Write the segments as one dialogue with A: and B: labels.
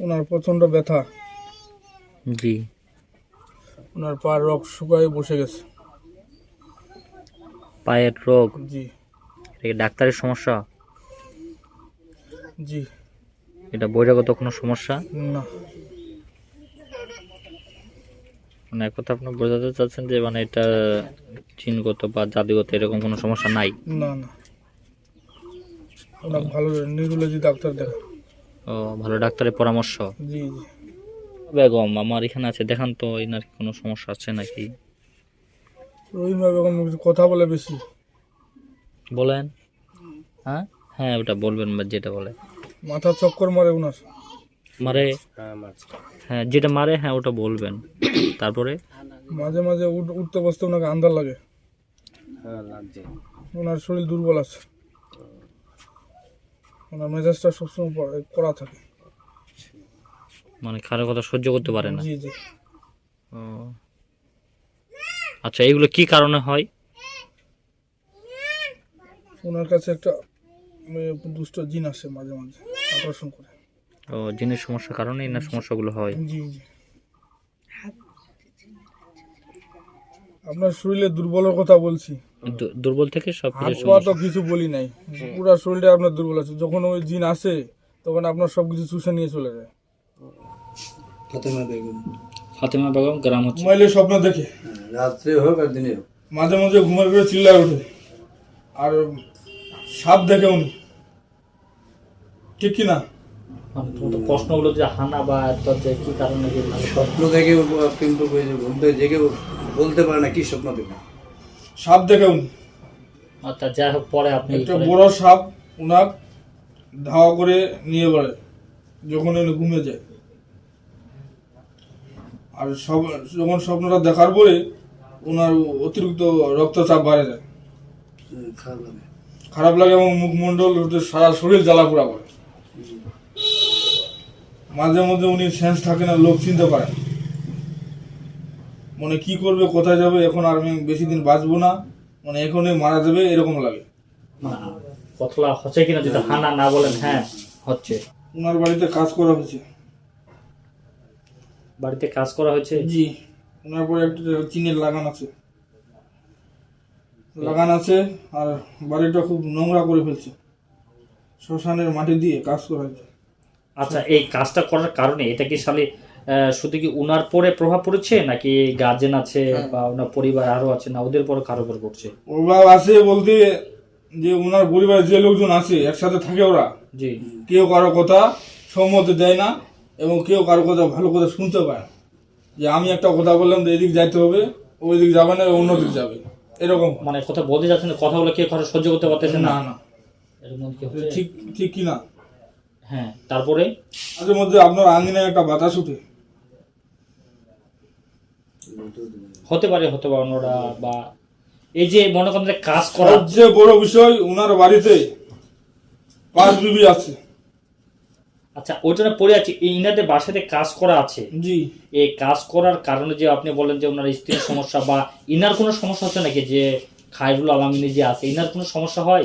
A: ওনার প্রচন্ড ব্যথা।
B: জি।
A: ওনার পা রক শুকায় বসে গেছে।
B: পায়ের রোগ?
A: জি।
B: এটা কি ডাক্তারের সমস্যা?
A: জি।
B: এটা বহিরাগত কোনো সমস্যা?
A: না।
B: মানে এক কথা আপনি বোঝাতে চাচ্ছেন যে মানে এটা জিনগত বা জাতিগত এরকম কোনো সমস্যা নাই?
A: না না, ওনার ভালো নিউরোলজি ডাক্তার দেখা।
B: ও, ভালো ডাক্তারের পরামর্শ।
A: জি জি।
B: বেগম আমার এখানে আছে, দেখান তো এনার কি কোনো সমস্যা আছে নাকি।
A: রহিমা বেগম কিছু কথা বলে বেশি।
B: বলেন। হ্যাঁ হ্যাঁ, ওটা বলবেন যেটা বলে।
A: মাথা চক্কর মারে ওনার।
B: মারে? হ্যাঁ, যেটা মারে হ্যাঁ ওটা বলবেন। তারপরে?
A: মাঝে মাঝে উঠতে বসতে ওনাকে আন্দার লাগে। ওনার শরীর দুর্বল আছে। ওনার মেজাজটা সবসময় কড়া থাকে।
B: মানে কারো কথা সহ্য করতে পারে না?
A: জি জি।
B: ও আচ্ছা, এগুলো কি কারণে হয়?
A: ওনার কাছে একটা দুষ্ট জিন আসে মাঝে মাঝে, আকর্ষণ করে।
B: ও, জিনের সমস্যার কারণে এনার সমস্যাগুলো হয়?
A: জি জি। আপনার শরীরে দুর্বলের কথা বলছি।
B: দুর্বল থেকে সব
A: হাত
B: কিছু
A: পা তো কিছু বলি নাই, পুরো শরীরটা আপনার দুর্বল আছে। যখন ওই জিন আসে তখন আপনার সবকিছু চুষে নিয়ে চলে যায়।
B: ফাতেমা বেগম গ্রাম হচ্ছে?
A: ঘুমাইলে স্বপ্ন দেখে,
C: রাত্রে হোক আর দিনে হোক,
A: মাঝে মাঝে ঘুমের ঘরে চিল্লায় ওঠে। আর সাপ দেখে উনি, ঠিক কি না?
B: প্রশ্নগুলো যে হানা বা যে কি কারণে
C: স্বপ্ন দেখে কিন্তু ঘুম থেকে জেগে বলতে পারে না কি স্বপ্ন দেখে।
A: সাপ দেখে উনি।
B: আচ্ছা, যাই হোক, পরে আপনি
A: একটা বড় সাপ উনার ধাওয়া করে নিয়ে বেড়ায় যখন উনি ঘুমে যায়। আর যখন স্বপ্নটা দেখার পরে ওনার অতিরিক্ত রক্তচাপ বাড়ে যায়, খারাপ লাগে এবং মুখমণ্ডল সারা শরীর জ্বালা পোড়া করে। মাঝে মধ্যে উনি সেন্স থাকে না, লোক চিনতে পারে না। মানে কি করবে, কোথায় যাবে, এখন আর আমি বেশি দিন বাঁচবো না, মানে এখনই মারা যাবে এরকম লাগে।
B: কতলা হচ্ছে কিনা যদি হানা না বলেন। হ্যাঁ হচ্ছে।
A: ওনার বাড়িতে কাজ করা হয়েছে।
B: বাড়িতে কাজ করা হয়েছে?
A: জি। ওনার পরে একটা চিনের লাগান আছে, আর বাড়িটা খুব নোংরা করে ফেলছে। শ্মশানের মাটি দিয়ে কাজ করা হয়েছে।
B: আচ্ছা, এই কাজটা করার কারণে এটা কি শালি শুধু কি উনার পরে প্রভাব পড়েছে নাকি গার্জেন আছে বা ওনার পরিবার আরো আছে, না ওদের পরে কারো উপর পড়ছে?
A: প্রভাব আছে বলতে যে ওনার পরিবারের যে লোকজন আছে একসাথে থাকে, ওরা
B: জি,
A: কেউ কারো কথা সম্মতি দেয় না এবং কেউ কারো কথা ভালো কথা শুনতে পায় না। যে আমি একটা কথা বললাম যে এদিক যাইতে হবে, ওই দিক যাবে না, অন্যদিক যাবে, এরকম।
B: মানে কথা বলতে যাচ্ছেন, কথা বলে কেউ কথা সহ্য করতে পারতেছে না?
A: না না,
B: এরকম কি হচ্ছে?
A: ঠিক ঠিক কি না?
B: হ্যাঁ, তারপরে?
A: মাঝে মধ্যে আপনার আঙিনায় একটা বাতাস উঠে।
B: হতে পারে ওনারা, বা এই যে মনে করেন যে কাজ করা।
A: সবচেয়ে বড় বিষয় ওনার বাড়িতে 5 বিবি আছে।
B: আচ্ছা, ওই জন্য পড়ে আছে ইনাদের বাসাতে কাজ করা আছে।
A: জি।
B: এই কাজ করার কারণে যে আপনি বলেন যে ওনার স্ত্রীর সমস্যা বা ইনার কোনো সমস্যা হচ্ছে নাকি, যে খায়রুল আলমিনী যে আছে ইনার কোনো সমস্যা হয়?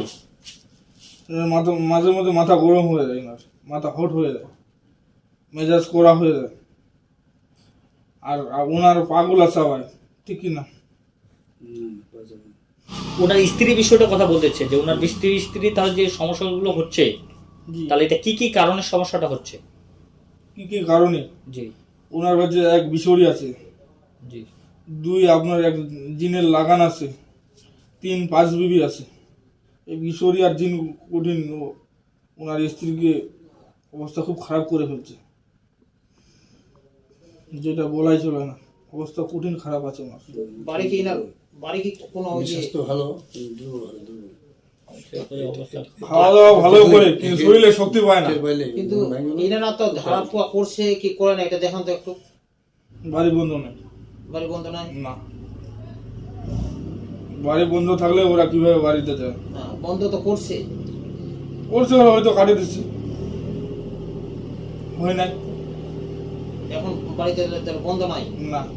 A: মাঝে মধ্যে মাথা গরম হয়ে যায়, ওনার মাথা হট হয়ে যায়, মেজাজ কড়া হয়ে যায়। আর ওনার পাগল আছে ভাই, ঠিক কি না?
B: ওনার স্ত্রী বিষয়টা কথা বলতেছে যে ওনার স্ত্রী তাহলে যে সমস্যাগুলো হচ্ছে, তাহলে এটা কি কি কারণে সমস্যাটা হচ্ছে?
A: কি কি কারণে?
B: জি।
A: ওনার কাছে 1 বিশরি আছে।
B: জি।
A: 2 আপনার এক জিনের লাগান আছে। 3 5 বিবি আছে। এই বিশরি আর জিন কঠিন ওনার স্ত্রীকে অবস্থা খুব খারাপ করে ফেলছে, যেটা বলাই চলে না। অবস্থা কঠিন খারাপ আছে ওনার।
C: বাড়ি কি কোনো স্বাস্থ্য ভালো,
A: খাওয়া দাওয়া ভালো করে কিন্তু শরীরে শক্তি পায় না।
D: কিন্তু এনারা তো ধারা পোয়া করছে কি করে না, এটা দেখান তো একটু।
A: বাড়ি বন্ধ নেই।
D: বাড়ি বন্ধ নাই?
A: না, বাড়ি বন্ধ থাকলে ওরা কিভাবে বাড়িতে যায়?
D: বন্ধ তো করছে।
A: হয়তো কাটিয়ে দিচ্ছে, হয় নাই।
D: এখন বাড়িতে বন্ধ নাই?
A: না।